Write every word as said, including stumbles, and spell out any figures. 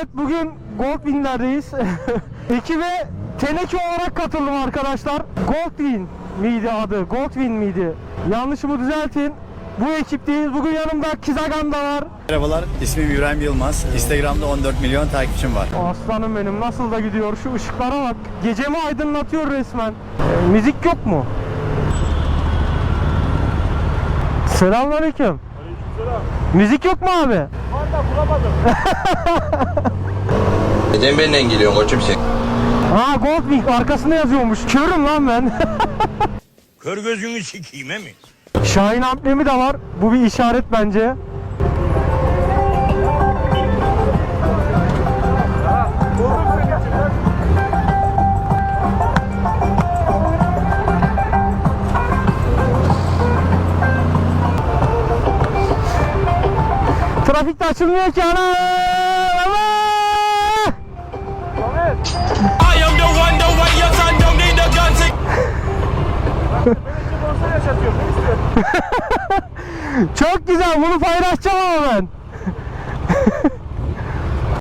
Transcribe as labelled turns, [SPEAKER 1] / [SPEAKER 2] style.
[SPEAKER 1] Evet, bugün Goldwing'lerdeyiz. Ekibe teneke olarak katıldım arkadaşlar. Goldwing miydi adı? Goldwing miydi? Yanlışımı düzeltin. Bu ekipteyiz. Bugün yanımda Kizagan da var.
[SPEAKER 2] Merhabalar, ismim İbrahim Yılmaz. Instagram'da on dört milyon takipçim var.
[SPEAKER 1] Aslanım benim, nasıl da gidiyor. Şu ışıklara bak. Gecemi aydınlatıyor resmen. E, müzik yok mu? Selamünaleyküm.
[SPEAKER 3] Aleykümselam.
[SPEAKER 1] Müzik yok mu abi?
[SPEAKER 3] Var da bulamadım.
[SPEAKER 4] Neden benimle geliyorsun koçum sen?
[SPEAKER 1] Ha, Goldwing arkasında yazıyormuş. Körüm lan ben.
[SPEAKER 3] Kör gözünü sikeyim he mi?
[SPEAKER 1] Şahin amblemi de var. Bu bir işaret bence. Trafikte açılmıyor ki ana.
[SPEAKER 3] I am the one, the way your son don't need a gun to...
[SPEAKER 1] Çok güzel, bunu paylaşacağım ama ben.